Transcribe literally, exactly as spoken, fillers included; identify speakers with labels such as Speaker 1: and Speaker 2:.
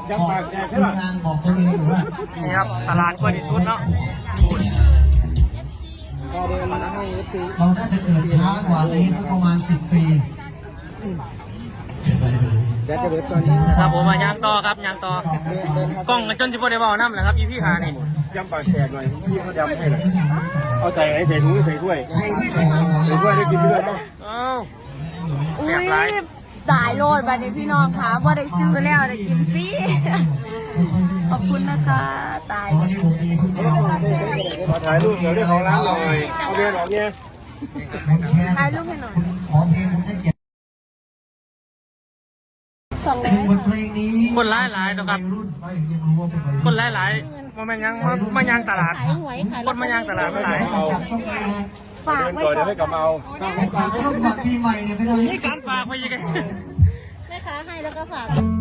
Speaker 1: บอกทีมงานบอกตัวเองหรือว่านี่ครับตลาดกล้วยดิสุดเนาะเราน่าจะเกิดช้ากว่านี้สักประมาณสิบปี
Speaker 2: ครับผมมายางต่อครับยางต่อกล้องจนสิบโมได้บอกน้ำแหละครับอีพี่หานี่
Speaker 3: ยำปลาแสบหน่อยพี่เขายำให้เลยเอาใส่ไอ้ใส่ถุงใส่ถ้วยใส่ถ้วยได้กินด้วยเนาะ
Speaker 2: อ้าว
Speaker 4: อุ้ยตายโลดบัดนี้พี่น้องคะว่าได้ซื้อแล้วได้กินฟรีขอบคุณนะคะตาย
Speaker 3: มาถ่ายรูปเดี๋ยวเรียกของร้านหน่อยเอาเบียร์หน่อยเนี่ย
Speaker 4: ถ่ายรูปให้หน่อย
Speaker 1: ขอเพลงผมจะเก็บเพลงบทเพลงนี้
Speaker 2: คนหลายหลายนะครับคนหลายหลายมาแมงยังมามายางตลาดคนมายางตลาดไม่หลาย
Speaker 4: ฝากไว้
Speaker 3: ก่อนเดี๋ยวให้กลับมาเอา
Speaker 1: ฝากช่วงฝากปีใหม่เนี่ยไม่ได้
Speaker 2: นี่การฝากไปยังไง
Speaker 4: แม่ค้าให้แล้วก็ฝาก